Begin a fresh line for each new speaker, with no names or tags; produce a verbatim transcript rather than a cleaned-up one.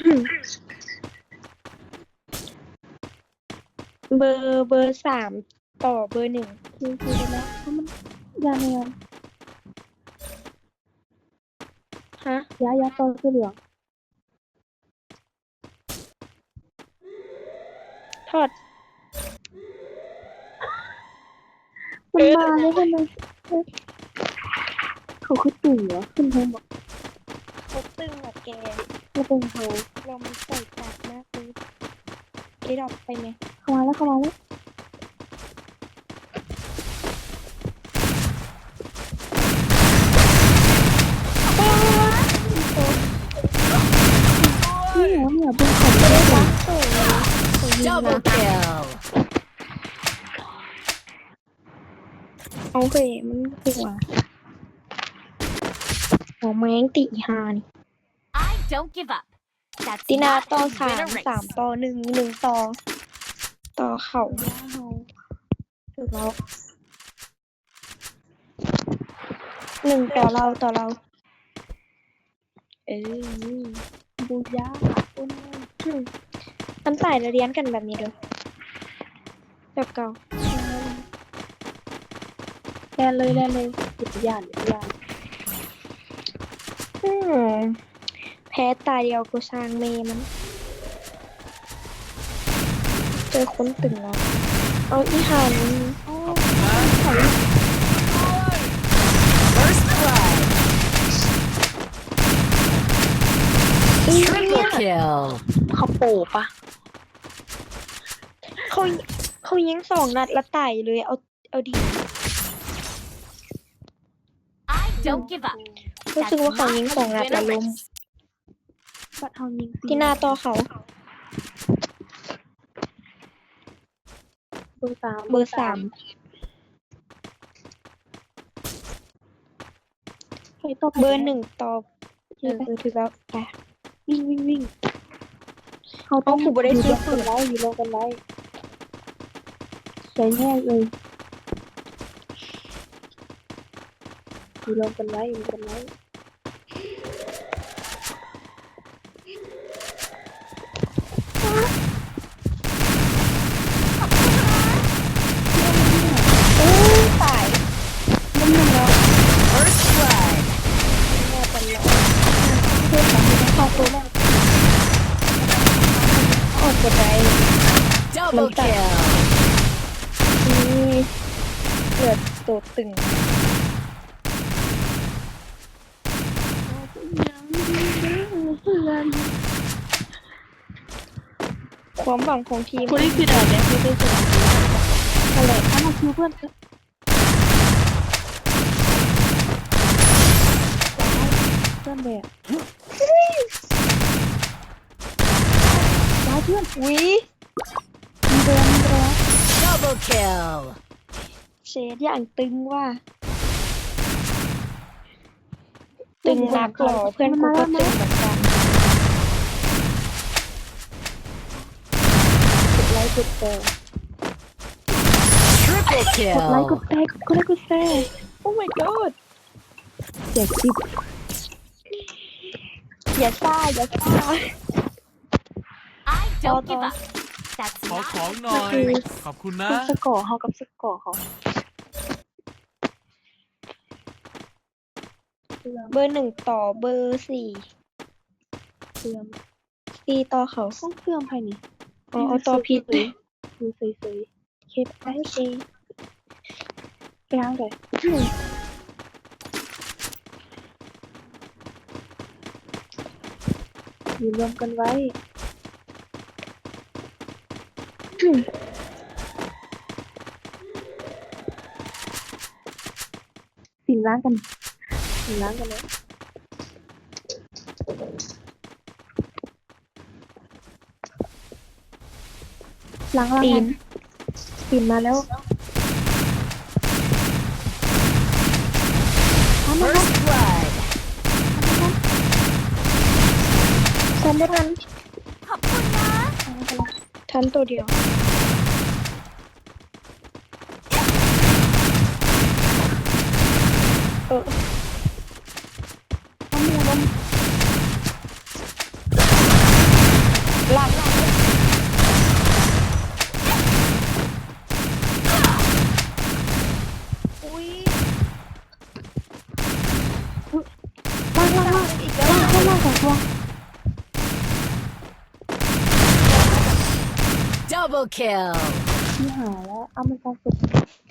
เบอร์เบอร์สามต่อเบอร์หนึ่ง
คือคือไปแล้วเพราะมันยาแนว
ฮะ
ยายาต่อเสื้อเหลือง
ทอด
มันมาแล้วทำไมเขาคือตึงเหรอขึ้นเพิ่มบอก
เขาตึงอะแก
เราเป็นเขา
เรามันใส่จัดมากเลยไอ้ดอกไปไหม
เข้ามาแล้วเข้ามาแล้วนี่เหรอเนี่ยเป็นเขาไม่ได้หรอ
โอ้ย
Double kill.
เอาเคยมันหัวหัวแมงตีหานี่
I don't give up. That's
ตินา
not
ต่อ
how you
สา
win
ม
a race.
สามต่อหนึ่งหนึ่งต่อต่อเข่า
เขา
ถูกแล้วหนึ่งต่อเราต่อเรา เออ
บูยาอุ้น
มันใส่แล้วเรียนกันแบบนี้เด้อแบบเก่า
แลนเลยแลนเลยหยุดยานหยุดยาน
อืมแพ้ตาเดียวกูสร้างเมมัน เจอคนตึงแล้วเอาอีหัน
First blood.
อี
Triple kill.
เขาโปปะ
เขาเขายิงสองนัดแล้วตายเลย เอาเอาดี
I don't give up.
รู้
That's
สึกว่าเขา
not
ยิง
how
สอง
you
นัด
win
แล้
a
วล้ม
race.
บัดเฮายิง
ที่หน้าต่อเขา
เบอร์สาม
เบอร์สาม
ไปต่อ
เบอร์หนึ่งต่อเออเออถือแล้วไป
วิ่งวิ่งวิ่งเขา
เอาคือบ่ได้ซื้อ
ปืนไว้อยู่ลงกันไว้ใช้แห้งเลยอยู่ลงกันไว้อยู่ลงกันไว้
โอ้ยตายมันหนึ่งแล้ว
First blood.
แม่เป็นแล้วเพื่อนของมึงเข้าตัวแม่ออกกดได้
Double kill.
นี่เลือดตัวตึง ความหวังของทีม
คนนี้คือด่านเนี่ยคือได้ชนะ
อะไร
ถ้ามาคิวเพื่อนเพื่อนแบบร้ายเพื่อน
วิ
มีเรือมีเรือ
Double kill.
เชดอย่างตึงว่า ตึงนักหรอเพื่อนกูก็ตึงเหมือนกัน
กดไลค์กดแชร์
Triple
กดไลค์ก
kill.
ดแชร์กดไลค์กดแชร์
โอ้ my god
แจกจิ๊บ
อย่าซ่าอย่าซ่า
I don't give up. That's
ขอ
not
ของ
how
หน่อย
คือ
ขอบคุณนะ
สกอร์เขากับสกอร์เขา
เบอร์หนึ่งต่อเบอร์สี่
เสื่อม
สี่ต่อเขา
ต้องเสื่อมภายใน
อ๋อเอาต่อผิด
ดูเซย
เคปไอซี
ๆไปล้างเลยอยู่รวมกันไว้สินล้างกันสินล้างกันเลยล้างล้าง
ตี
กัน นสินมาแล้วทำไม
First blood.
ทันไม่ทัน
ขอบคุณนะ
ทันตัวเดียว เออ
ทำไมล้ม
ว้า
Double kill.
ที่หาแล้วเอามันฟังสุด